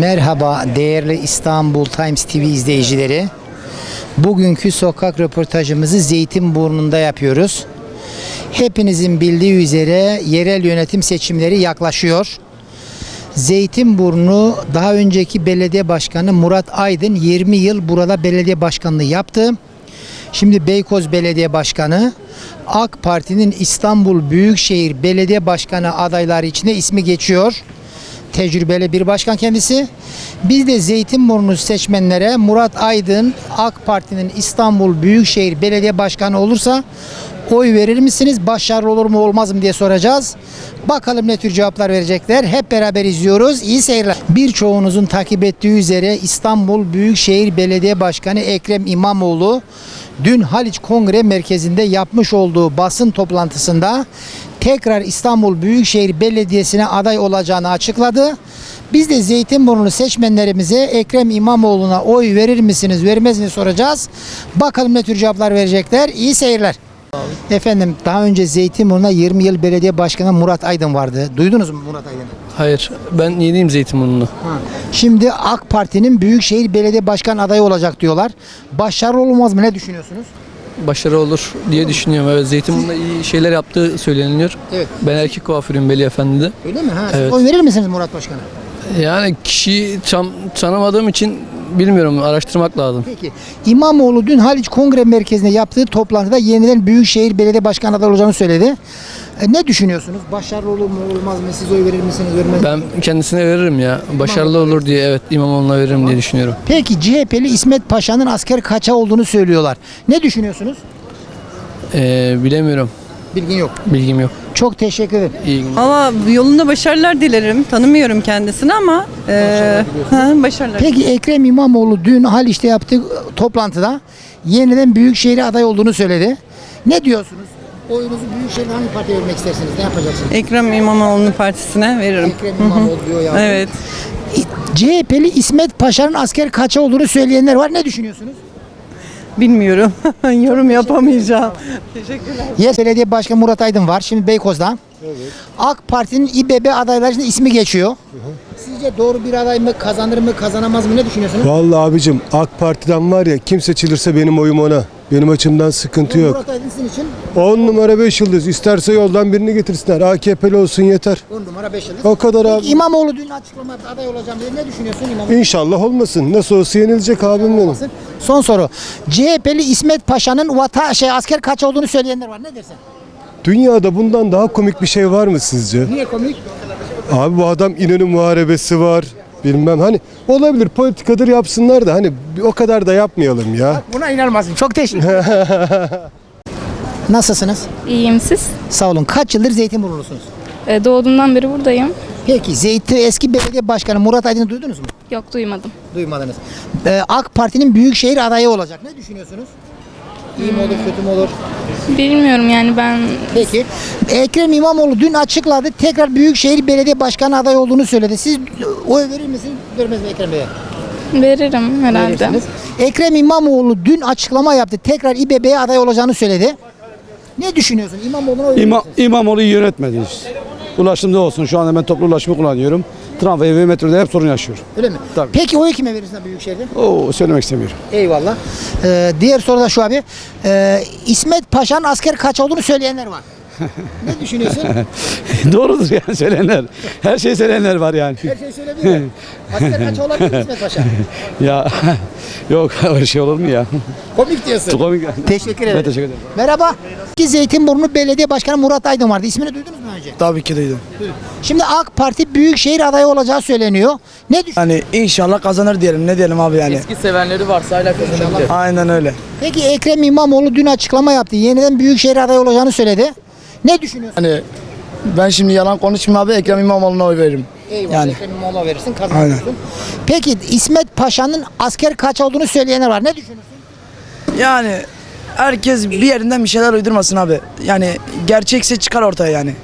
Merhaba değerli İstanbul Times TV izleyicileri. Bugünkü sokak röportajımızı Zeytinburnu'nda yapıyoruz. Hepinizin bildiği üzere yerel yönetim seçimleri yaklaşıyor. Zeytinburnu daha önceki belediye başkanı Murat Aydın 20 yıl burada belediye başkanlığı yaptı. Şimdi Beykoz Belediye Başkanı, AK Parti'nin İstanbul Büyükşehir Belediye Başkanı adayları içinde ismi geçiyor. Tecrübeli bir başkan kendisi. Biz de Zeytinburnu seçmenlere Murat Aydın AK Parti'nin İstanbul Büyükşehir Belediye Başkanı olursa oy verir misiniz? Başarılı olur mu olmaz mı diye soracağız. Bakalım ne tür cevaplar verecekler. Hep beraber izliyoruz. İyi seyirler. Birçoğunuzun takip ettiği üzere İstanbul Büyükşehir Belediye Başkanı Ekrem İmamoğlu dün Haliç Kongre Merkezi'nde yapmış olduğu basın toplantısında tekrar İstanbul Büyükşehir Belediyesi'ne aday olacağını açıkladı. Biz de Zeytinburnu seçmenlerimize Ekrem İmamoğlu'na oy verir misiniz, vermez mi soracağız. Bakalım ne tür cevaplar verecekler. İyi seyirler. Efendim daha önce Zeytinburnu'na 20 yıl belediye başkanı Murat Aydın vardı. Duydunuz mu Murat Aydın'ı? Hayır, ben yeniyim Zeytinburnu'na. Şimdi AK Parti'nin Büyükşehir Belediye Başkan adayı olacak diyorlar. Başarılı olmaz mı? Ne düşünüyorsunuz? Başarı olur diye düşünüyorum. Evet, Zeytinburnu'nda iyi şeyler yaptığı söyleniyor. Evet. Ben erkek kuaförüyüm Veli Efendi'de. Öyle mi? Ha, Evet. siz oy verir misiniz Murat Başkan'a? Yani kişiyi tanımadığım için bilmiyorum, araştırmak lazım. Peki. İmamoğlu dün Haliç Kongre Merkezi'nde yaptığı toplantıda yeniden Büyükşehir Belediye Başkanı adayı olacağını söyledi. Ne düşünüyorsunuz? Başarılı olur mu olmaz mı? Siz oy verir misiniz? Vermez Ben misiniz? kendisine veririm ya. Başarılı olur diye, evet, İmamoğlu'na veririm diye düşünüyorum. Peki CHP'li İsmet Paşa'nın asker kaçağı olduğunu söylüyorlar. Ne düşünüyorsunuz? Bilemiyorum. Bilgin yok. Bilgim yok. Çok teşekkür ederim. İyi günler. Ama yolunda başarılar dilerim. Tanımıyorum kendisini ama başarılar. Peki Ekrem İmamoğlu dün Haliç'te yaptığı toplantıda yeniden Büyükşehir'e aday olduğunu söyledi. Ne diyorsunuz? Oyunuzu Büyükşehir'de hangi partiye vermek istersiniz? Ne yapacaksınız? Ekrem İmamoğlu'nun partisine veririm. Ekrem İmamoğlu diyor ya. Evet. CHP'li İsmet Paşa'nın asker kaçağı olduğunu söyleyenler var. Ne düşünüyorsunuz? Bilmiyorum. Yorum yapamayacağım. Teşekkürler. Yes Belediye Başkanı Murat Aydın var. Şimdi Beykoz'da. Evet. AK Parti'nin İBB adaylarının ismi geçiyor. Sizce doğru bir aday mı? Kazanır mı? Kazanamaz mı? Ne düşünüyorsunuz? Vallahi abicim AK Parti'den var ya kim seçilirse benim oyum ona. Benim açımdan sıkıntı yok. Murat Aydın sizin için 10 numara 5 yıldız. İsterse yoldan birini getirsinler. AKP'li olsun yeter. 10 numara 5 yıldız. O kadar Peki, abi. İmamoğlu dün açıklama yaptı, aday olacağım dedi. Ne düşünüyorsun İmamoğlu? İnşallah olmasın. Nasıl olsa yenilecek abim benim. Son soru. CHP'li İsmet Paşa'nın asker kaç olduğunu söyleyenler var. Ne dersin? Dünyada bundan daha komik bir şey var mı sizce? Niye komik? Abi bu adam İnönü muharebesi var. Bilmem hani olabilir politikadır yapsınlar da hani o kadar da yapmayalım ya. Buna inanmazsın. Çok teşekkür ederim. Nasılsınız? İyiyim siz? Sağ olun. Kaç yıldır Zeytinburnu'lusunuz? Doğduğumdan beri buradayım. Peki eski belediye başkanı Murat Aydın'ı duydunuz mu? Yok duymadım. Duymadınız. AK Parti'nin Büyükşehir adayı olacak. Ne düşünüyorsunuz? İyi mi olur, kötü mü olur? Bilmiyorum yani ben Peki. Ekrem İmamoğlu dün açıkladı. Tekrar Büyükşehir Belediye Başkanı adayı olduğunu söyledi. Siz oy verir misiniz, vermez mi Ekrem Bey'e? veririm herhalde. Verirsiniz. Ekrem İmamoğlu dün açıklama yaptı. Tekrar İBB'ye aday olacağını söyledi. Ne düşünüyorsun? İmamoğlu'na oy verir misin? İmamoğlu'yu yönetmedi işte. Ulaşımda olsun. Şu anda ben toplu ulaşımı kullanıyorum. Tramvay ve metroda hep sorun yaşıyorum. Öyle mi? Tabii. Peki oyu kime verirsin Büyükşehir'de? Oo, söylemek istemiyorum. Eyvallah. Diğer soru da şu abi. İsmet Paşa'nın asker kaç olduğunu söyleyenler var. Ne düşünüyorsun? Doğrudur yani söylenenler. Her şey söylenenler var yani. Her şey söyleyebilir. Asker kaç olabilir mi İsmet Paşa? Ya yok öyle şey olur mu ya? Komik diyorsun. Komik. Teşekkür ederim. Ben teşekkür ederim. Merhaba. Zeytinburnu Belediye Başkanı Murat Aydın vardı. İsmini duydunuz mu önce? Tabii ki duydum. Şimdi AK Parti Büyükşehir adayı olacağı söyleniyor. Ne düşünüyorsun? Hani inşallah kazanır diyelim. Ne diyelim abi yani. Eski sevenleri varsa hala kazanabilir. Aynen öyle. Peki Ekrem İmamoğlu dün açıklama yaptı. Yeniden Büyükşehir adayı olacağını söyledi. Ne düşünüyorsun? Hani ben şimdi yalan konuşmayayım abi, Ekrem İmamoğlu'na oy veririm. Eyvallah. Yani. Ekrem İmamoğlu'na verirsin, kazanırsın. Peki İsmet Paşa'nın asker kaç olduğunu söyleyenler var. Ne düşünüyorsun? Yani herkes bir yerinden bir şeyler uydurmasın abi. Yani gerçekse çıkar ortaya yani.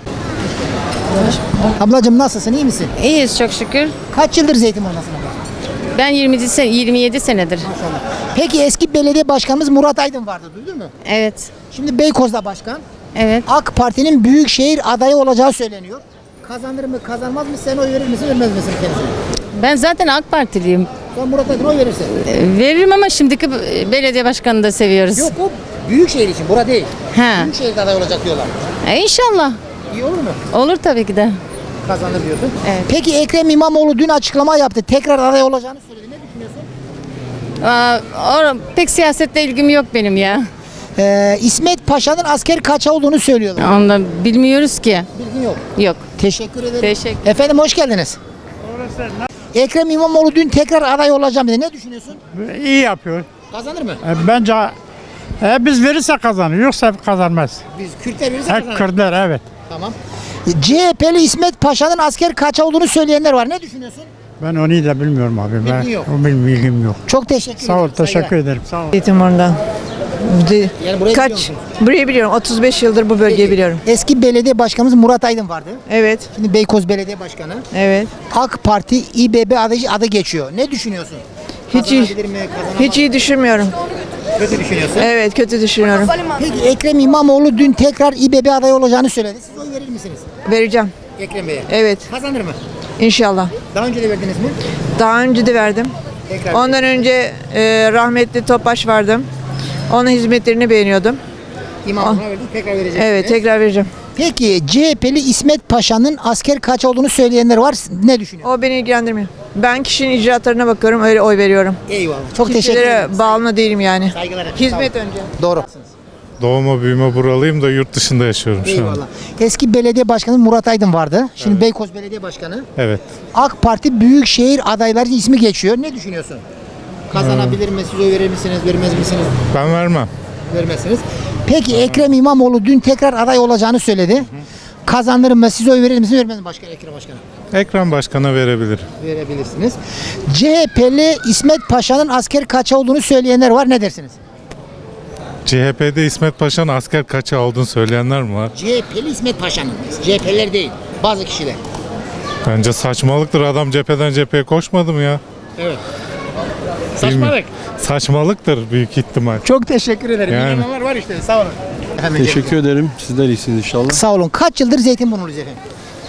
Ablacığım nasılsın? İyi misin? İyiyiz çok şükür. Kaç yıldır Zeytinburnu'ndasın abla? Ben 27 senedir. Maşallah. Peki eski belediye başkanımız Murat Aydın vardı. Duydun mu? Evet. Şimdi Beykoz'da başkan. Evet. AK Parti'nin Büyükşehir adayı olacağı söyleniyor. Kazanır mı, kazanmaz mı? Sen oy verir misin, vermez misin kendisine? Ben zaten AK Partiliyim. Sen Murat Aydın'a oy verirsin. Veririm ama şimdiki belediye başkanını da seviyoruz. Yok o Büyükşehir için, bura değil. Ha. Büyükşehir'de aday olacak diyorlar. İnşallah. İyi olur mu? Olur tabii ki de. Kazanır diyorsun. Evet. Peki Ekrem İmamoğlu dün açıklama yaptı. Tekrar aday olacağını söyledi. Ne düşünüyorsun? Pek siyasetle ilgim yok benim ya. İsmet Paşa'nın asker kaça olduğunu söylüyorlar. Onu da bilmiyoruz ki. Bilgin yok. Yok. Teşekkür ederim. Teşekkür. Efendim hoş geldiniz. Ekrem İmamoğlu dün tekrar aday olacağım dedi. Ne düşünüyorsun? İyi yapıyor. Kazanır mı? Bence biz verirse kazanır, yoksa kazanmaz. Biz Kürtler verirse Hep kazanır. Kürtler, evet. Tamam. CHP'li İsmet Paşa'nın asker kaça olduğunu söyleyenler var. Ne düşünüyorsun? Ben onu da bilmiyorum abi. Bilgin yok. O bilgim yok. Çok teşekkür Sağ ol, ederim. teşekkür Saygılar. ederim. Sağ ol. Zeytinburnu'ndan. Yani burayı biliyor Kaç? musun? Burayı biliyorum. 35 yıldır bu bölgeyi Peki, biliyorum. Eski belediye başkanımız Murat Aydın vardı. Evet, Şimdi Beykoz Belediye Başkanı. evet. AK Parti İBB adı geçiyor. Ne düşünüyorsun? Hiç iyi, Kazanabilir mi? Kazanamaz hiç iyi düşünmüyorum. mı? Kötü düşünüyorsun. Evet, kötü düşünüyorum. Peki Ekrem İmamoğlu dün tekrar İBB adayı olacağını söyledi. Siz oy verir misiniz? Vereceğim. Ekrem Bey'e. Evet, Kazanır mı? inşallah. Daha önce de verdiniz mi? Daha önce de verdim. Tekrar. Ondan önce rahmetli Topaş vardı. Onun hizmetlerini beğeniyordum. İmamoğlu'na verdik. Tekrar vereceksiniz. Evet, tekrar vereceğim. Peki CHP'li İsmet Paşa'nın asker kaç olduğunu söyleyenler var. Ne düşünüyor? O beni ilgilendirmiyor. Ben kişinin icraatlarına bakıyorum, öyle oy veriyorum. Eyvallah. Çok teşekkür ederim. Kişilere bağımlı değilim yani. Saygılar efendim. Hizmet Sağ olun. önce. Doğru. Doğma büyüme buralıyım da yurt dışında yaşıyorum şu an. Eyvallah. Eski belediye başkanı Murat Aydın vardı. Şimdi Beykoz Belediye Başkanı. Evet. AK Parti Büyükşehir adayları ismi geçiyor. Ne düşünüyorsun? Kazanabilir mi? Siz oy verir misiniz? Vermez misiniz? Ben vermem. Vermezsiniz. Peki Ekrem İmamoğlu dün tekrar aday olacağını söyledi. Kazanır mı? Siz oy verir misiniz? Vermez mi Ekrem Başkan'a? Ekrem Başkan'a verebilir. Verebilirsiniz. CHP'li İsmet Paşa'nın asker kaça olduğunu söyleyenler var. Ne dersiniz? CHP'de İsmet Paşa'nın asker kaça olduğunu söyleyenler mi var? CHP'li İsmet Paşa'nın. CHP'liler değil. Bazı kişiler. Bence saçmalıktır. Adam cepheden cepheye koşmadı mı ya? Evet. Bilmiyorum. Saçmalıktır büyük ihtimal. Çok teşekkür ederim. Yani. İnananlar var işte. Sağ olun. Teşekkür ederim. Sizler iyisiniz inşallah. Sağ olun. Kaç yıldır Zeytinburnu'luyuz efendim?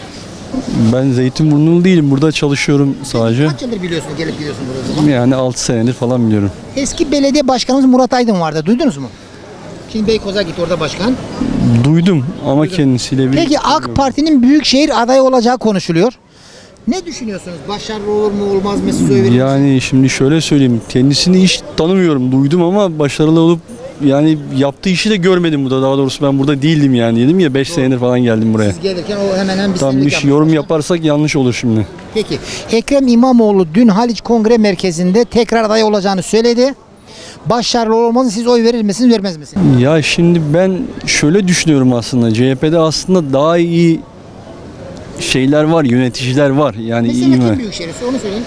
Ben Zeytinburnu'lu değilim. Burada çalışıyorum sadece. Kaç yıldır biliyorsun, gelip gidiyorsun buraya o zaman? Yani 6 senedir falan biliyorum. Eski belediye başkanımız Murat Aydın vardı. Duydunuz mu? Şimdi Beykoz'a gitti, orada başkan. Duydum ama kendisiyle bir... Peki AK Parti'nin büyükşehir adayı olacağı konuşuluyor. Ne düşünüyorsunuz? Başarılı olur mu, olmaz mı? Siz oy verir misiniz? Yani şimdi şöyle söyleyeyim. Kendisini hiç tanımıyorum. Duydum ama başarılı olup yani yaptığı işi de görmedim burada. Daha doğrusu ben burada değildim yani. Dedim ya 5 senedir falan geldim buraya. Siz gelirken o hemen bir Tam senelik bir yapmış yorum başkan. yaparsak yanlış olur şimdi. Peki Ekrem İmamoğlu dün Haliç Kongre Merkezi'nde tekrar aday olacağını söyledi. Başarılı olmaz, siz oy verir misiniz, vermez misiniz? Ya şimdi ben şöyle düşünüyorum aslında. CHP'de aslında daha iyi şeyler var, yöneticiler var. Yani iyi Mesela kim mi? büyükşehirse onu söyleyin.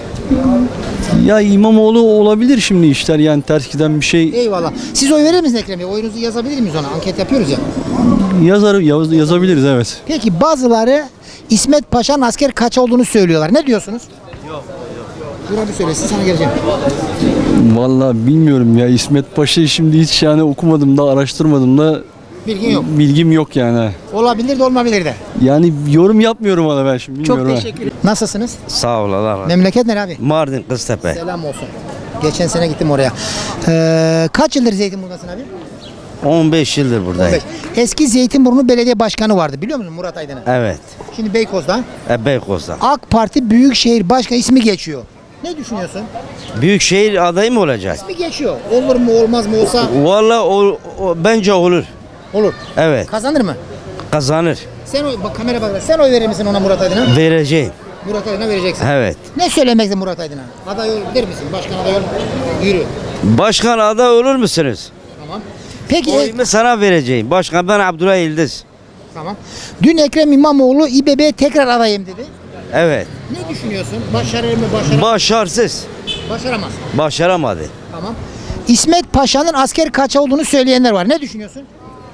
Ya İmamoğlu olabilir şimdi işler yani ters giden bir şey Eyvallah. Siz oy verir misiniz Ekrem Bey? Oyunuzu yazabilir miyiz ona? Anket yapıyoruz ya. yazabiliriz evet. Peki bazıları İsmet Paşa'nın asker kaç olduğunu söylüyorlar. Ne diyorsunuz? Yok. Dur abi söylesin, sana geleceğim. Vallahi bilmiyorum ya İsmet Paşa'yı şimdi hiç yani okumadım da araştırmadım da Bilgin yok. bilgim yok yani. Olabilir de olmayabilir de. Yani yorum yapmıyorum ona ben şimdi bilmiyorum. Çok teşekkür ederim. Nasılsınız? Sağ ol Allah razı olsun. Memleket nere abi? Mardin Kıztepe. Selam olsun. Geçen sene gittim oraya. Kaç yıldır Zeytinburnu'dasın abi? 15 yıldır buradayım. 15. Eski Zeytinburnu Belediye Başkanı vardı, biliyor musun Murat Aydın'ı? Evet. Şimdi Beykoz'da Beykoz'da. AK Parti Büyükşehir Başkanı ismi geçiyor. Ne düşünüyorsun? Büyükşehir adayı mı olacak? İsmi geçiyor. Olur mu olmaz mı olsa Vallahi bence olur. olur. Evet. Kazanır mı? Kazanır. Sen oy, bak kamera bak. Sen oy verir misin ona, Murat Aydın'a? Vereceğim. Murat Aydın'a vereceksin. Evet. Ne söylemekte Murat Aydın'a? Aday ol der misin? Başkan aday ol. Yürü. Başkan aday olur musunuz? Tamam. Peki Oyumu sana vereceğim. Başkan ben Abdullah Yıldız. tamam. Dün Ekrem İmamoğlu İBB'ye tekrar adayım dedi. Evet. Ne düşünüyorsun? Başarır mı? Başaramaz. Başarısız. Başaramaz. Başaramadı. Tamam. İsmet Paşa'nın asker kaça olduğunu söyleyenler var. Ne düşünüyorsun?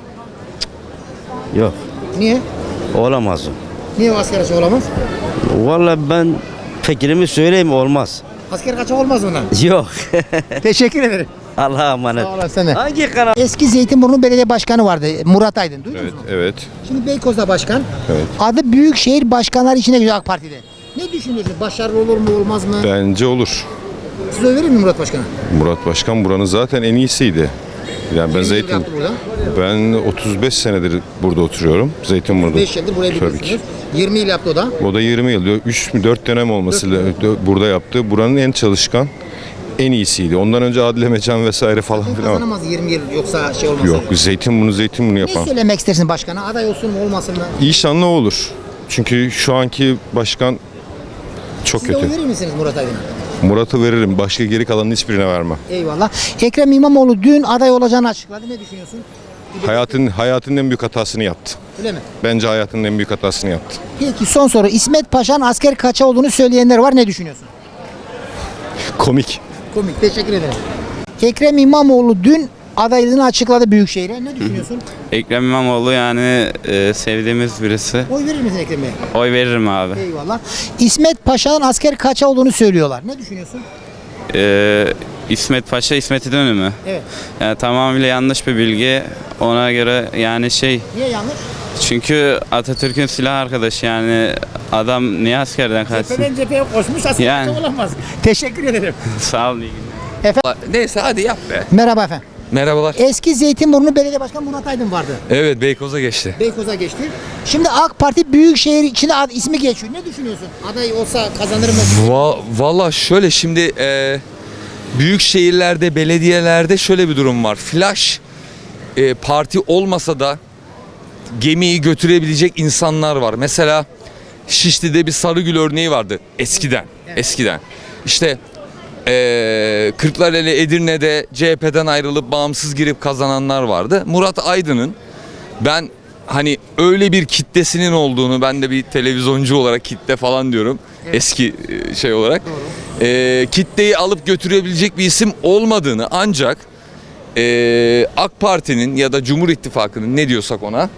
Yok. Niye? Olamaz o. Niye o asker kaça olamaz? Vallahi ben fikrimi söyleyeyim olmaz. Asker kaça olmaz ondan. Yok. Teşekkür ederim. Allah'a emanet. Sağ olasın. Hangi kanal? Eski Zeytinburnu Belediye Başkanı vardı Murat Aydın. Duydunuz mu? Evet. Şimdi Beykoz'da başkan. Evet. Adı Büyükşehir Başkanları içine giriyor AK Parti'de. Ne düşünüyorsunuz? Başarılı olur mu olmaz mı? Bence olur. Siz oy verir mi Murat Başkan'a? Murat Başkan buranın zaten en iyisiydi. Yani ben 20 yıl yaptı burada. ben 35 senedir burada oturuyorum. Zeytinburnu'da. 5 yıldır buraya Tabii biliyorsunuz. ki. 20 yıl yaptı o da. O da 20 yıl. 3 mü 4 dönem olması burada yaptı. Buranın en çalışkan, en iyisiydi. Ondan önce Adile Mecan vesaire falan filan. Kazanamaz 20 yıl yoksa şey olmasa. Yok, Zeytinburnu Ne yapan. söylemek istersin başkana? Aday olsun mu olmasın mı? İnşallah olur. Çünkü şu anki başkan çok Siz de oy kötü. verir misiniz Murat Aydın'a? Murat'ı veririm. Başka geri kalanın hiçbirine vermem. Eyvallah. Ekrem İmamoğlu dün aday olacağını açıkladı. Ne düşünüyorsun? Hayatının en büyük hatasını yaptı. Öyle mi? Bence hayatının en büyük hatasını yaptı. Peki son soru. İsmet Paşa'nın asker kaça olduğunu söyleyenler var. Ne düşünüyorsun? Komik. Komik. Teşekkür ederim. Ekrem İmamoğlu dün adaylığını açıkladı Büyükşehir'e. Ne düşünüyorsun? Ekrem İmamoğlu yani sevdiğimiz birisi. Oy verir misin Ekrem Bey'e? Oy veririm abi. Eyvallah. İsmet Paşa'nın asker kaça olduğunu söylüyorlar. Ne düşünüyorsun? İsmet Paşa, İsmet İnönü mü? Evet. Yani tamamıyla yanlış bir bilgi. Ona göre yani Niye yanlış? çünkü Atatürk'ün silah arkadaşı yani adam niye askerden kaçsın? cepheye koşmuş asker Yani. kaça olamaz. Teşekkür ederim. Sağ olun, iyi günler. Neyse hadi yap be. Merhaba efendim. Merhabalar. Eski Zeytinburnu Belediye Başkanı Murat Aydın vardı. Evet, Beykoz'a geçti. Beykoz'a geçti. Şimdi AK Parti Büyükşehir içinde ismi geçiyor. Ne düşünüyorsun? Aday olsa kazanır mı? Valla şöyle şimdi büyük şehirlerde, belediyelerde şöyle bir durum var. Flash parti olmasa da gemiyi götürebilecek insanlar var. Mesela Şişli'de bir Sarıgül örneği vardı eskiden. Eskiden. İşte Kırklareli Edirne'de CHP'den ayrılıp bağımsız girip kazananlar vardı. Murat Aydın'ın ben hani öyle bir kitlesinin olduğunu, ben de bir televizyoncu olarak kitle falan diyorum. Eski şey olarak. Kitleyi alıp götürebilecek bir isim olmadığını, ancak AK Parti'nin ya da Cumhur İttifakı'nın ne diyorsak ona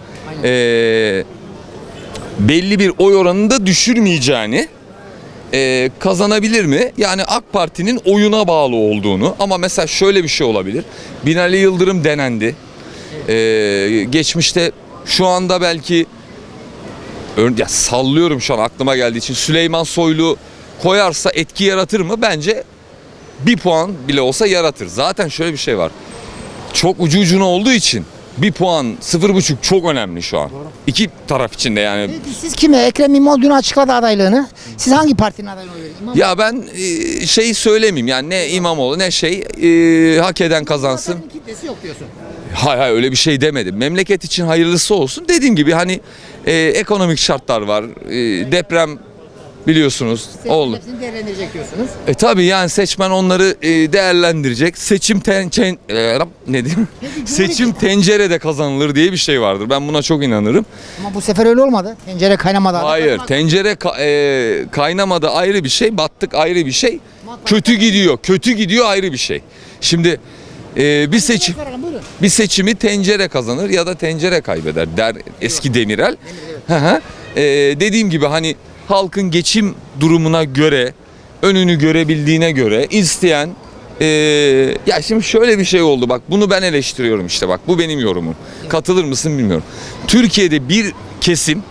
belli bir oy oranında düşürmeyeceğini, kazanabilir mi? Yani AK Parti'nin oyuna bağlı olduğunu. Ama mesela şöyle bir şey olabilir. Binali Yıldırım denendi. Geçmişte şu anda belki ya sallıyorum şu an aklıma geldiği için, Süleyman Soylu koyarsa etki yaratır mı? Bence bir puan bile olsa yaratır. Zaten şöyle bir şey var. Çok ucu ucuna olduğu için bir puan, 0,5 çok önemli şu an. İki taraf için de yani. Peki siz kime? Ekrem İmamoğlu dün açıkladı adaylığını. Siz hangi partinin adayına oy verin? Ya ben şey söylemeyeyim yani, ne İmamoğlu ne hak eden kazansın. Kitlesi yok diyorsun. Hayır öyle bir şey demedim. Memleket için hayırlısı olsun. Dediğim gibi hani ekonomik şartlar var. Deprem biliyorsunuz oldu. Hepsini değerlendirecek diyorsunuz. Tabii yani seçmen onları değerlendirecek. Seçim ne diyeyim? Seçim tencerede kazanılır diye bir şey vardır. Ben buna çok inanırım. Ama bu sefer öyle olmadı. Tencere kaynamadı. Hayır, tencere kaynamadı ayrı bir şey, battık ayrı bir şey. Kötü gidiyor ayrı bir şey. Şimdi bir seçimi tencere kazanır ya da tencere kaybeder der eski Demirel. Dediğim gibi hani halkın geçim durumuna göre, önünü görebildiğine göre isteyen ya şimdi şöyle bir şey oldu, bak bunu ben eleştiriyorum, işte bak bu benim yorumum. Katılır mısın bilmiyorum. Türkiye'de bir kesim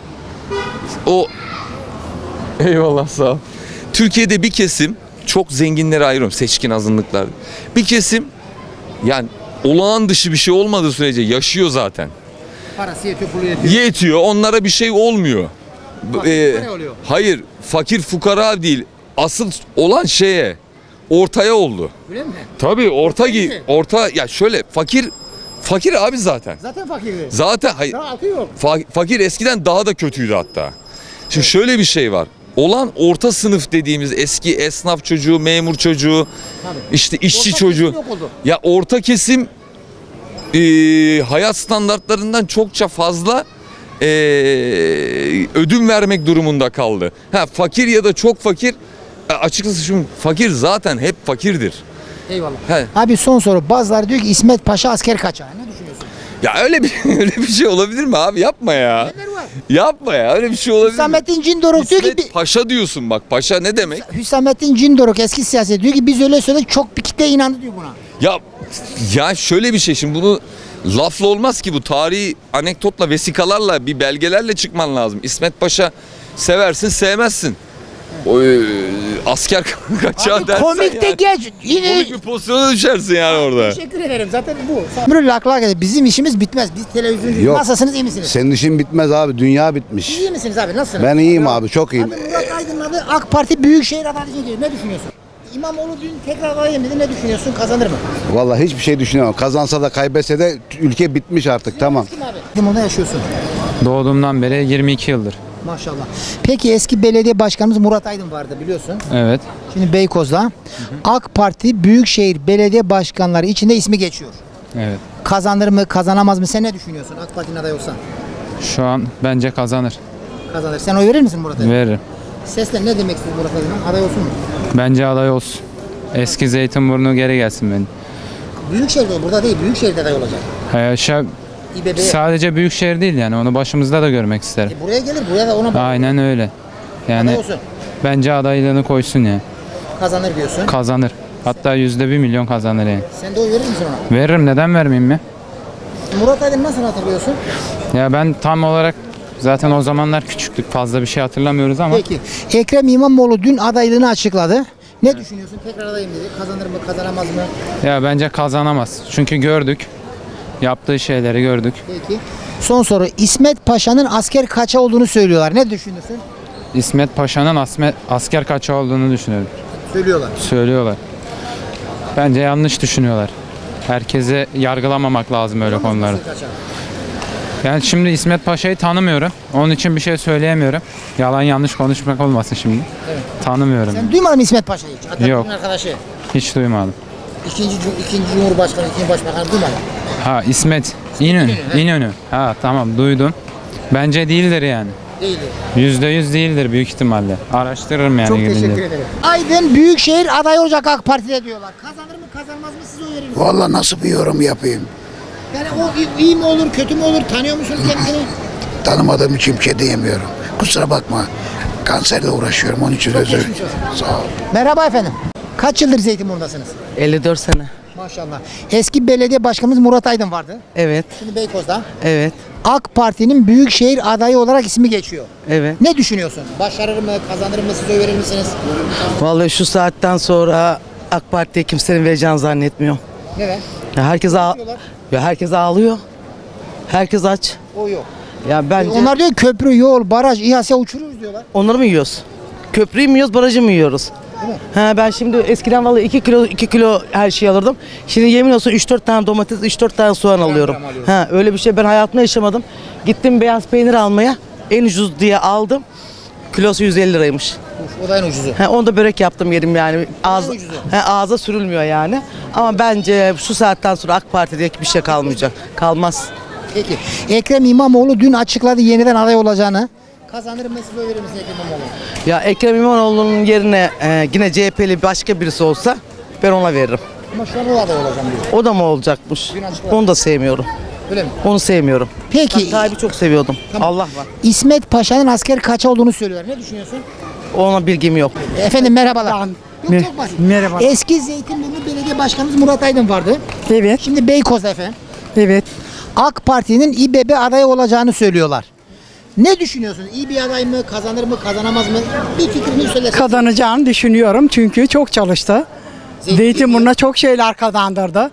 eyvallah sağ ol. Türkiye'de bir kesim, çok zenginlere ayırıyorum, seçkin azınlıklar. Bir kesim yani olağan dışı bir şey olmadığı sürece yaşıyor zaten. Parası yetiyor, pulu yetiyor. Yetiyor, onlara bir şey olmuyor. Oluyor. Hayır, fakir fukara değil. Asıl olan ortaya oldu. Öyle mi? Tabii orta ya şöyle fakir abi zaten. Zaten fakirdi. Zaten hayır. Daha altı yok. Fakir eskiden daha da kötüydü hatta. Şimdi şöyle bir şey var. Olan orta sınıf dediğimiz eski esnaf çocuğu, memur çocuğu, işte işçi çocuğu. Ya orta kesim hayat standartlarından çokça fazla ödün vermek durumunda kaldı. Fakir ya da çok fakir, açıkçası şu fakir zaten hep fakirdir. Eyvallah. Abi son soru. Bazıları diyor ki İsmet Paşa asker kaçağı. Ne düşünüyorsun? Ya öyle bir şey olabilir mi abi? Yapma ya. Neler var? Yapma ya. Öyle bir şey olabilir mi? Hüsamettin Cindoruk diyor ki İsmet Paşa diyorsun bak. Paşa ne demek? Hüsamettin Cindoruk eski siyaset diyor ki biz öyle söyledik, çok bir kitle inandı diyor buna. Ya şöyle bir şey, şimdi bunu lafla olmaz ki, bu tarihi anekdotla, vesikalarla, bir belgelerle çıkman lazım. İsmet Paşa seversin sevmezsin. asker kaçağı Abi dersen komik de yani, geç. Yine komik bir pozisyona düşersin yani orada. teşekkür ederim. Zaten bu. Ömrü lak lak bizim işimiz bitmez. Biz televizyoncu. Yok. Nasılsınız, iyi misiniz? Senin işin bitmez abi. Dünya bitmiş. İyi misiniz abi? Nasılsınız? Ben iyiyim abi. Çok iyiyim. Abi Murat Aydın'ın adı AK Parti Büyükşehir adayı geliyor. Ne düşünüyorsun? İmamoğlu dün tekrar adayım dedi. Ne düşünüyorsun? Kazanır mı? Vallahi hiçbir şey düşünemem. Kazansa da kaybetse de ülke bitmiş artık. Tamam. Kim abi? Limon'da yaşıyorsun. Doğduğumdan beri 22 yıldır. Maşallah. Peki eski belediye başkanımız Murat Aydın vardı biliyorsun. Evet. Şimdi Beykoz'da AK Parti Büyükşehir Belediye Başkanları içinde ismi geçiyor. Evet. Kazanır mı, kazanamaz mı? Sen ne düşünüyorsun? AK Parti'nin adayı olsan. Şu an bence kazanır. Kazanır. Sen oy verir misin Murat Aydın'a? Veririm. Sesle ne demek istiyorsun Murat Aydın'a? Aday olsun mu? Bence aday olsun. Eski Zeytinburnu geri gelsin benim. Büyükşehir'de, burada değil, Büyükşehir'de aday olacak. İBB'ye. Sadece büyük şehir değil yani onu başımızda da görmek isterim. Buraya gelir, buraya da ona bak. Aynen öyle. Yani Aday olsun. bence adaylığını koysun ya. Kazanır diyorsun. Kazanır. Hatta %1 milyon kazanır yani. Sen de oy verir misin ona? Veririm, neden vermeyeyim mi? Murat Aydın nasıl hatırlıyorsun? Ya ben tam olarak zaten o zamanlar küçüktük, fazla bir şey hatırlamıyoruz ama Peki. Ekrem İmamoğlu dün adaylığını açıkladı. Ne düşünüyorsun? Tekrar adayım dedi. Kazanır mı, kazanamaz mı? ya bence kazanamaz. Çünkü gördük. Yaptığı şeyleri gördük. Peki. Son soru. İsmet Paşa'nın asker kaça olduğunu söylüyorlar. Ne düşünüyorsun? İsmet Paşa'nın asker kaçağı olduğunu düşünüyorum. Söylüyorlar. Söylüyorlar. Bence yanlış düşünüyorlar. Herkese yargılamamak lazım öyle konuları. Yani şimdi İsmet Paşa'yı tanımıyorum. Onun için bir şey söyleyemiyorum. Yalan yanlış konuşmak olmasın şimdi. Evet. Tanımıyorum. Sen duymadın mı İsmet Paşa'yı hiç? Atatürk'ün Yok. arkadaşı. Hiç duymadım. İkinci Cumhurbaşkanı, ikinci Başbakanı duymadın. Ha İsmet İnönü. İnönü. Ha tamam duydum. Bence değildir yani. Değildi. %100 değildir büyük ihtimalle. Araştırırım yani. Çok gidince. teşekkür ederim. Aydın Büyükşehir aday olacak AK Parti'de diyorlar. Kazanır mı, kazanmaz mı, siz oy verir misiniz? Vallahi nasıl bir yorum yapayım? Yani o iyi mi olur, kötü mü olur? Tanıyor musunuz kendisini? Tanımadığım için bir şey diyemiyorum. Kusura bakma. Kanserle uğraşıyorum. Onun için özür dilerim. Sağ ol. Merhaba efendim. Kaç yıldır Zeytinburnu'dasınız? 54 sene. Maşallah. Eski belediye başkanımız Murat Aydın vardı. Evet, Şimdi Beykoz'da. evet, AK Parti'nin Büyükşehir adayı olarak ismi geçiyor. evet. Ne düşünüyorsun? Başarır mı, kazanır mı, siz oy verir misiniz? Vallahi şu saatten sonra AK Parti'ye kimsenin vereceğini zannetmiyorum. Neden? Ya herkes ağlıyor. Herkes aç. O yok. Ya bence Onlar diyor köprü, yol, baraj, İHA'ya uçuruyoruz diyorlar. onları mı yiyoruz? Köprüyü mü yiyoruz, barajı mı yiyoruz? Değil mi? Ha, ben şimdi eskiden vallahi 2 kilo her şeyi alırdım. Şimdi yemin olsun 3-4 tane domates, 3-4 tane soğan alıyorum. Ha, öyle bir şey ben hayatımda yaşamadım. Gittim beyaz peynir almaya. En ucuz diye aldım. Kilosu 150 liraymış. O da en ucuzu. Ha, onu da börek yaptım yedim yani. Ağza sürülmüyor yani. Ama bence şu saatten sonra AK Parti'de bir şey kalmayacak. Kalmaz. Peki. Ekrem İmamoğlu dün açıkladı yeniden aday olacağını. Kazanır mı, siz oy verir misiniz Ekrem İmamoğlu? Ya Ekrem İmamoğlu'nun yerine yine CHP'li başka birisi olsa ben ona veririm. Ama şu an o aday olacağım diyor. O da mı olacakmış? Dün açıkladı. Onu da sevmiyorum. Öyle mi? Onu sevmiyorum. Peki. Ben Tayyip'i çok seviyordum. Tamam. Allah var. İsmet Paşa'nın asker kaça olduğunu söylüyorlar. Ne düşünüyorsun? Ona bilgim yok. Efendim merhabalar. Yok, çok basit. Merhaba. Eski Zeytinburnu Belediye Başkanımız Murat Aydın vardı. Evet, Şimdi Beykoz'da efendim. evet. AK Parti'nin İBB adayı olacağını söylüyorlar. Ne düşünüyorsunuz? İyi bir aday mı? Kazanır mı? Kazanamaz mı? Bir fikrini söylesin. Kazanacağını düşünüyorum çünkü çok çalıştı. Zeytinburnu'na çok şeyler kazandırdı.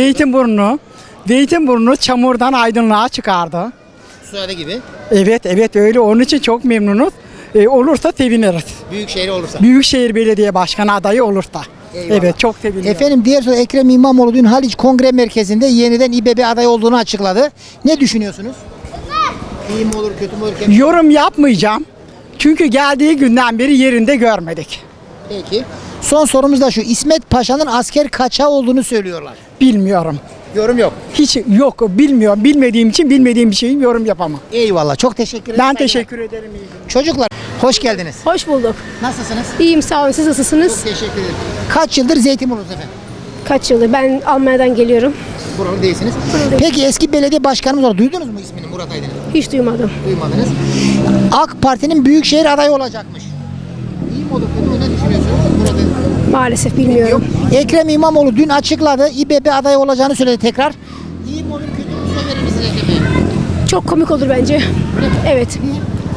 Zeytinburnu çamurdan aydınlığa çıkardı. Suade gibi. Evet öyle onun için çok memnunuz. Olursa seviniriz. Büyükşehir olursa. Büyükşehir Belediye Başkanı adayı olursa. Eyvallah. Evet çok seviniyorum. Efendim diğer soru Ekrem İmamoğlu dün Haliç Kongre Merkezi'nde yeniden İBB adayı olduğunu açıkladı. Ne düşünüyorsunuz? İyi mi olur, kötü mü olur? Yorum yapmayacağım. Çünkü geldiği günden beri yerinde görmedik. Peki. Son sorumuz da şu. İsmet Paşa'nın asker kaçağı olduğunu söylüyorlar. Bilmiyorum. Yorum yok. Hiç yok bilmiyorum. Bilmediğim için bilmediğim bir şeyi yorum yapamam. Eyvallah. Çok teşekkür ederim. Ben teşekkür ederim. Çocuklar hoş geldiniz. Hoş bulduk. Nasılsınız? İyiyim sağ olun. Siz nasılsınız? Çok teşekkür ederim. Kaç yıldır Zeytinburnu'dasınız efendim? Kaç yıldır? Ben Almanya'dan geliyorum. Buralı değilsiniz. değilim. Peki eski belediye başkanımız var. Duydunuz mu ismini Murat Aydın'ın? Hiç duymadım. Duymadınız. AK Parti'nin Büyükşehir adayı olacakmış. İyi mi olur, kötü mü? Ne düşünüyorsunuz Murat Aydın? Maalesef bilmiyorum. Ekrem İmamoğlu dün açıkladı. İBB adayı olacağını söyledi tekrar. İyi mi olur, kötü mü? Siz verir misiniz Ekrem Bey? Çok komik olur bence. Evet.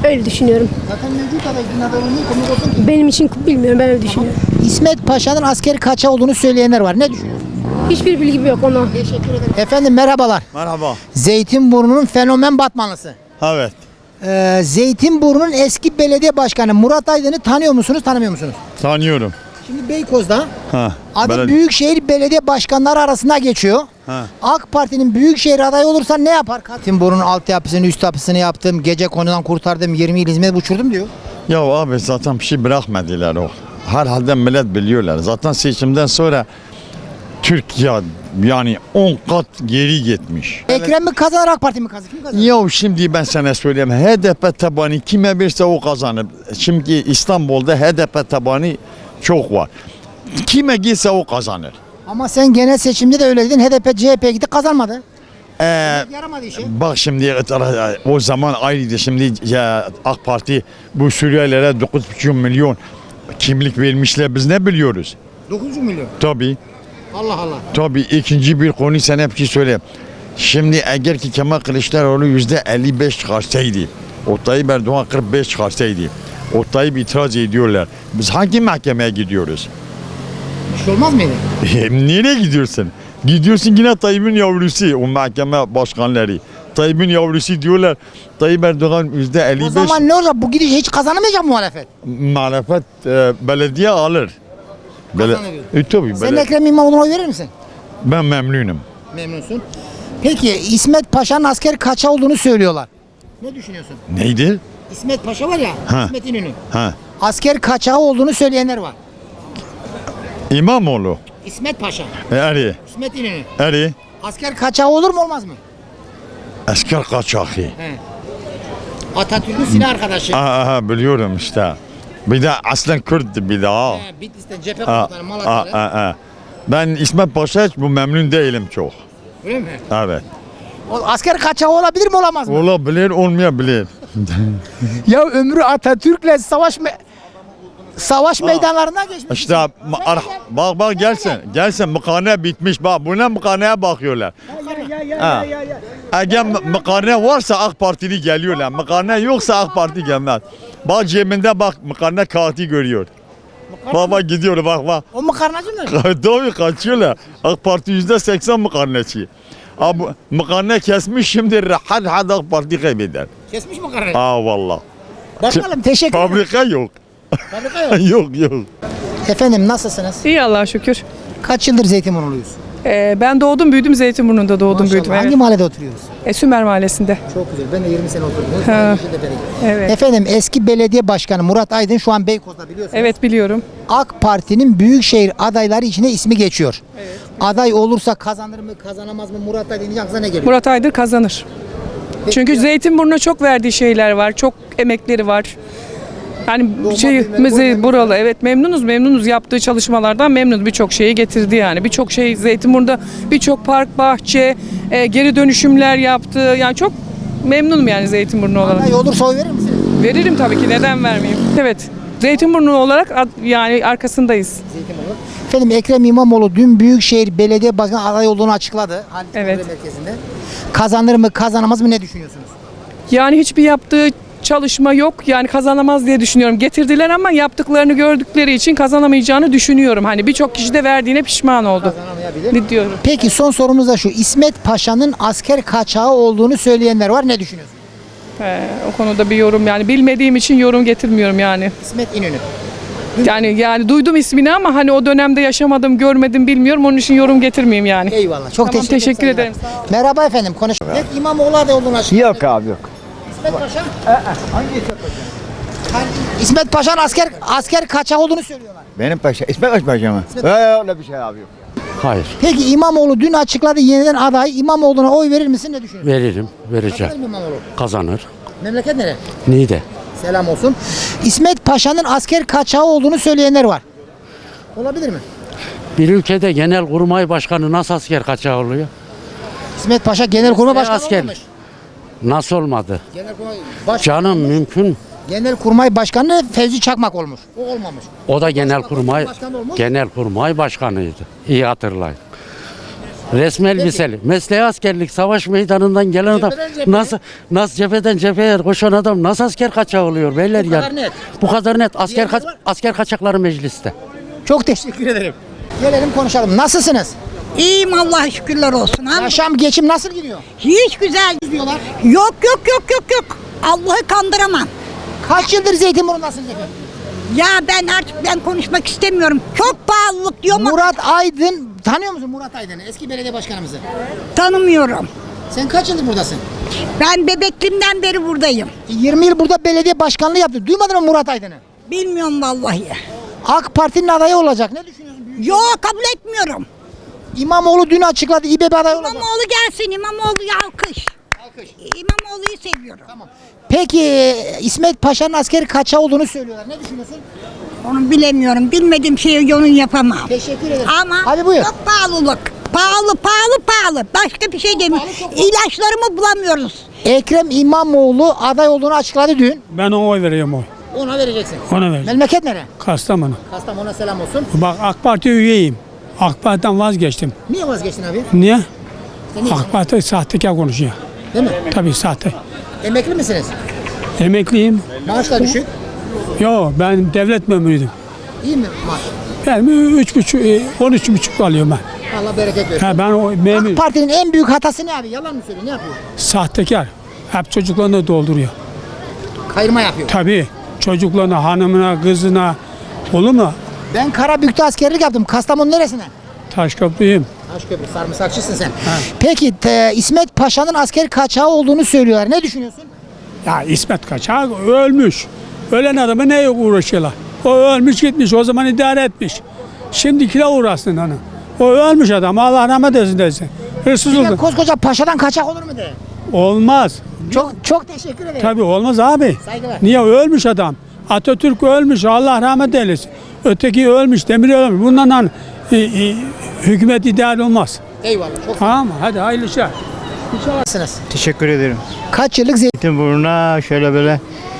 Öyle düşünüyorum. Zaten mevcut aday din adayı niye komik olsun ki? Benim için bilmiyorum, ben öyle düşünüyorum. İsmet Paşa'nın askeri kaçağı olduğunu söyleyenler var. Ne düşünüyorsun? Hiçbir bilgim yok ona. Teşekkür ederim. Efendim merhabalar. Merhaba. Zeytinburnu'nun fenomen Batmanlısı. Evet. Zeytinburnu'nun eski belediye başkanı Murat Aydın'ı tanıyor musunuz, tanımıyor musunuz? Tanıyorum. Şimdi Beykoz'da Ha. adı Büyükşehir Belediye Başkanları arasında geçiyor. Ha. AK Parti'nin Büyükşehir adayı olursa ne yapar? Zeytinburnu'nun altyapısını, üst yapısını yaptım, gece konudan kurtardım, 20 il hizmet uçurdum diyor. Ya abi zaten bir şey bırakmadılar o. Herhalde millet biliyorlar. Zaten seçimden sonra Türkiye yani 10 kat geri gitmiş. Ekrem mi kazanır, AK Parti mi kazanır? Kim kazanır? Ya şimdi ben sana söyleyeyim. HDP tabanı kime verirse o kazanır. Şimdi İstanbul'da HDP tabanı çok var. Kime gitse o kazanır. Ama sen genel seçimde de öyle dedin. HDP, CHP gitti kazanmadı. Yaramadı işe. Bak şimdi o zaman ayrıydı. Şimdi ya, AK Parti bu Suriyelilere 9,5 milyon kimlik vermişler. Biz ne biliyoruz? 9 milyon. Tabii. Allah Allah. Tabii ikinci bir konu sana hep şey söyleyeyim. Şimdi eğer ki Kemal Kılıçdaroğlu %55 çıkarsaydı, o Tayyip Erdoğan 45 çıkarsaydı, o Tayyip itiraz ediyorlar. Biz hangi mahkemeye gidiyoruz? Bir şey olmaz mıydı? Nereye gidiyorsun? Gidiyorsun yine Tayyip'in yavrusu, o mahkeme başkanları. Tayyip'in yavrusu diyorlar. Tayyip Erdoğan %55. O zaman ne olacak? Bu gidiş hiç kazanamayacak muhalefet. Muhalefet belediye alır. Tabii. Sen Ekrem İmamoğlu'na oy verir misin? Ben memnunum. Memnunsun. Peki İsmet Paşa'nın asker kaça olduğunu söylüyorlar. Ne düşünüyorsun? Neydi? İsmet Paşa var ya, Ha. İsmet İnönü. Ha. Asker kaçağı olduğunu söyleyenler var. İmamoğlu. İsmet Paşa, Eri. İsmet İnönü. Eri. Asker kaçağı olur mu olmaz mı? Asker kaçağı. Atatürk'ün silah arkadaşı. Aha biliyorum işte. Bir de aslen Kürt'tü bir daha. Bitlis'ten cephe komutanı Malatya'da. Ben İsmet Paşa hiç bu memnun değilim çok. Öyle mi? Evet. O asker kaçağı olabilir mi olamaz mı? Olabilir olmayabilir. Ya ömrü Atatürk'le savaş meydanlarına geçmiş. İşte bak gelsin mıkane bitmiş bak buna mıkaneye bakıyorlar. Eğer mıkane varsa AK Partili geliyorlar. Mıkane yoksa AK Parti gelmez. Bak cebinde bak mıkane kağıtı görüyor. Baba gidiyor bak. O makarnacı mı? Tabii kaçıyorlar. AK Parti %80 mıkarneci. Abi mıkarne kesmiş şimdi rahat AK Parti kaybeder. Kesmiş makarnayı. Valla. Bakalım teşekkür ederim. Fabrika yok. Fabrika yok. yok. Efendim nasılsınız? İyi Allah'a şükür. Kaç yıldır Zeytinburnu'luyuz? Ben doğdum büyüdüm Zeytinburnu'nda doğdum büyüdüm. Hangi Evet. mahallede oturuyoruz? Sümer Mahallesi'nde. Çok güzel. Ben de 20 sene oturdum. Evet. Efendim eski belediye başkanı Murat Aydın şu an Beykoz'da biliyorsunuz. Evet biliyorum. AK Parti'nin büyükşehir adayları içine ismi geçiyor. Evet. Aday olursa kazanır mı kazanamaz mı Murat Aydın'ın aklına ne geliyor? Murat Aydın kazanır. Çünkü Zeytinburnu'na çok verdiği şeyler var. Çok emekleri var. Yani buralı evet memnunuz yaptığı çalışmalardan memnunuz. Birçok şeyi getirdi yani. Birçok şey Zeytinburnu'nda birçok park, bahçe, geri dönüşümler yaptı. Yani çok memnunum yani Zeytinburnu olarak. Aday olursa oy verir misiniz? Veririm tabii ki neden vermeyeyim. Evet. Zeytinburnu olarak yani arkasındayız. Efendim Ekrem İmamoğlu dün Büyükşehir Belediye Başkanı aday olduğunu açıkladı. Evet. Merkezinde. Kazanır mı kazanamaz mı ne düşünüyorsunuz? Yani hiçbir yaptığı çalışma yok. Yani kazanamaz diye düşünüyorum. Getirdiler ama yaptıklarını gördükleri için kazanamayacağını düşünüyorum. Hani birçok kişi de verdiğine pişman oldu. Ne diyorum? Peki son sorumuz da şu. İsmet Paşa'nın asker kaçağı olduğunu söyleyenler var. Ne düşünüyorsunuz? O konuda bir yorum yani bilmediğim için yorum getirmiyorum yani. İsmet İnönü. Yani duydum ismini ama hani o dönemde yaşamadım, görmedim, bilmiyorum. Onun için yorum getirmeyeyim yani. Eyvallah. Çok teşekkür ederim. Merhaba efendim. Konuş. İmamoğlu aday olduğunu açıkladı. Yok abi yok. İsmet Paşa? Hangi İsmet Paşa? İsmet Paşa'nın asker kaçağı olduğunu söylüyorlar. Benim paşa. İsmet Paşa mı? Öyle bir şey abi yok. Hayır. Peki İmamoğlu dün açıkladı yeniden aday. İmamoğlu'na oy verir misin? Ne düşünüyorsun? Veririm. Vereceğim. Kazanır mı İmamoğlu? Kazanır. Memleket nere? Niğde. Selam olsun. İsmet Paşa'nın asker kaçağı olduğunu söyleyenler var. Olabilir mi? Bir ülkede genelkurmay başkanı nasıl asker kaçağı oluyor? İsmet Paşa Genelkurmay Başkanı asker. olmamış. Nasıl olmadı? Genelkurmay Canım mümkün. Genelkurmay Başkanı Fevzi Çakmak olmuş. O olmamış. O da genelkurmay Başkanı olmuş. genelkurmay başkanıydı. İyi hatırlayın. Resmi elbiseli. Mesleği askerlik. Savaş meydanından gelen adam nasıl cepheden cepheye koşan adam nasıl asker kaçağı oluyor beyler Bu kadar ya? net. Bu kadar net. Diğerleri var. Asker kaçakları mecliste. Çok teşekkür ederim. Gelelim konuşalım. Nasılsınız? İyiyim Allah'a şükürler olsun. Yaşam, geçim nasıl gidiyor? Hiç güzel diyorlar. Yok. Allah'ı kandıramam. Kaç yıldır Zeytinburnu'ndasınız efendim? Ya ben konuşmak istemiyorum. Çok pahalılık diyor ama Murat Aydın, tanıyor musun Murat Aydın'ı? Eski belediye başkanımızı. tanımıyorum. Sen kaç yıldır buradasın? Ben bebekliğimden beri buradayım. 20 yıl burada belediye başkanlığı yaptı. Duymadın mı Murat Aydın'ı? Bilmiyorum vallahi. AK Parti'nin adayı olacak. Ne düşünüyorsun? Yok kabul etmiyorum. İmamoğlu dün açıkladı. İBB adayı olacak. İmamoğlu gelsin. İmamoğlu'ya alkış. İmamoğlu'yu seviyorum. Peki İsmet Paşa'nın askeri kaça olduğunu söylüyorlar. Ne düşünüyorsun? Onu bilemiyorum. Bilmediğim şeyi onu yapamam. Teşekkür ederim. Ama Hadi buyur. çok pahalılık. Pahalı. Başka bir şey demiyorum. İlaçlarımı bulamıyoruz. Ekrem İmamoğlu aday olduğunu açıkladı dün. Ben ona oy vereyim oy. Ona vereceksin. Ona vereceğim. Memleket nere? Kastamonu. Kastamonu'na selam olsun. Bak AK Parti üyeyim. AK Parti'den vazgeçtim. Niye vazgeçtin abi? Niye? Sen niye? AK Parti sahtekar konuşuyor. Değil mi? Tabii sahte. Emekli misiniz? Emekliyim. Maaşlar düşük. Yo ben devlet memuruydum. İyi mi maaş? Ben 13,5 alıyorum ben. Allah bereket versin. Ha, ben o memur. AK Parti'nin en büyük hatası ne abi? Yalan mı söylüyor? Ne yapıyor? Sahtekar. Hep çocuklarını dolduruyor. Kayırma yapıyor. Tabii. Çocuklarına, hanımına, kızına. Olur mu? Ben Karabük'te askerlik yaptım. Kastamonu neresine? Taşköprüyüm. Taşköprü, sarımsakçısın sen. Peki İsmet Paşa'nın askeri kaçağı olduğunu söylüyorlar. Ne düşünüyorsun? Ya İsmet Kaçak ölmüş. Ölen adamı neye uğraşıyorlar? O ölmüş gitmiş, o zaman idare etmiş. Şimdikiler uğraşsın onu. O ölmüş adam, Allah rahmet eylesin desin. Hırsız Bir de oldu. koskoca paşadan kaçak olur mu de? Olmaz. Çok teşekkür ederim. Tabii olmaz abi. Saygılar. Niye ölmüş adam? Atatürk ölmüş, Allah rahmet eylesin. Öteki ölmüş, Demir ölmüş. Bundan hükümet idare olmaz. Eyvallah. Çok Tamam mı? Hadi hayırlı işler. Nasılsınız? Teşekkür ederim. Kaç yıllık Zeytinburnu'na şöyle böyle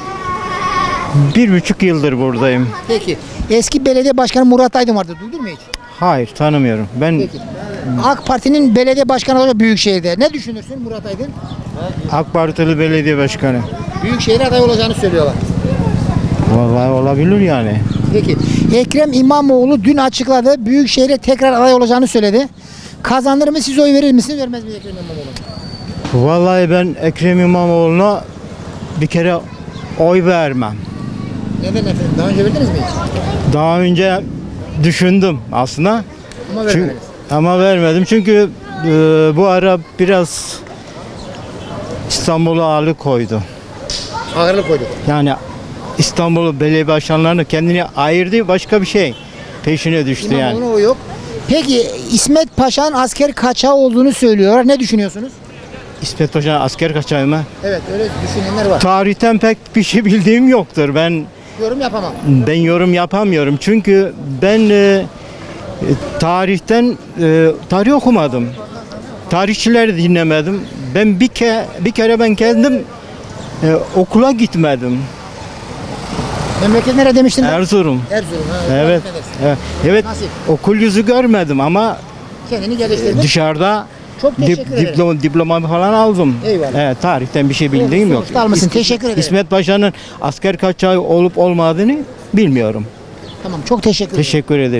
1,5 yıldır buradayım. Peki. Eski belediye başkanı Murat Aydın vardı. Duydun mu hiç? Hayır tanımıyorum. Ben Peki. AK Parti'nin belediye başkanı olacak Büyükşehir'de. Ne düşünürsün Murat Aydın? AK Partili belediye başkanı. Büyükşehir aday olacağını söylüyorlar. Vallahi olabilir yani. Peki. Ekrem İmamoğlu dün açıkladı. Büyükşehir'e tekrar aday olacağını söyledi. Kazanır mı, siz oy verir misiniz, vermez mi Ekrem İmamoğlu? Vallahi ben Ekrem İmamoğlu'na bir kere oy vermem. Neden efendim? Daha önce verdiniz mi hiç? Daha önce düşündüm aslında. Ama vermediniz. Ama vermedim çünkü bu ara biraz İstanbul'a ağırlık koydu. Ağırlık koydu. Yani İstanbul belediye başkanlarını kendine ayırdı, başka bir şey peşine düştü yani. İmamoğlu'na o yok. Peki İsmet Paşa'nın asker kaçağı olduğunu söylüyorlar. Ne düşünüyorsunuz? İsmet Paşa asker kaçağı mı? Evet, öyle düşünenler var. Tarihten pek bir şey bildiğim yoktur. Ben Yorum yapamam. yorum yapamıyorum çünkü ben tarih okumadım. Tarihçileri dinlemedim. Ben bir kere ben kendim okula gitmedim. Memleket nere demiştin? Erzurum. Erzurum. Ha, Evet. Evet. Nasip. Okul yüzü görmedim ama Kendini geliştirdin. dışarıda Çok teşekkür ederim. diplomamı falan aldım. Eyvallah. Evet, tarihten bir şey bildiğim yok. Sonuçta almışsın. Teşekkür ederim. İsmet Paşa'nın asker kaçağı olup olmadığını bilmiyorum. Tamam, çok teşekkür ederim. Teşekkür ederim.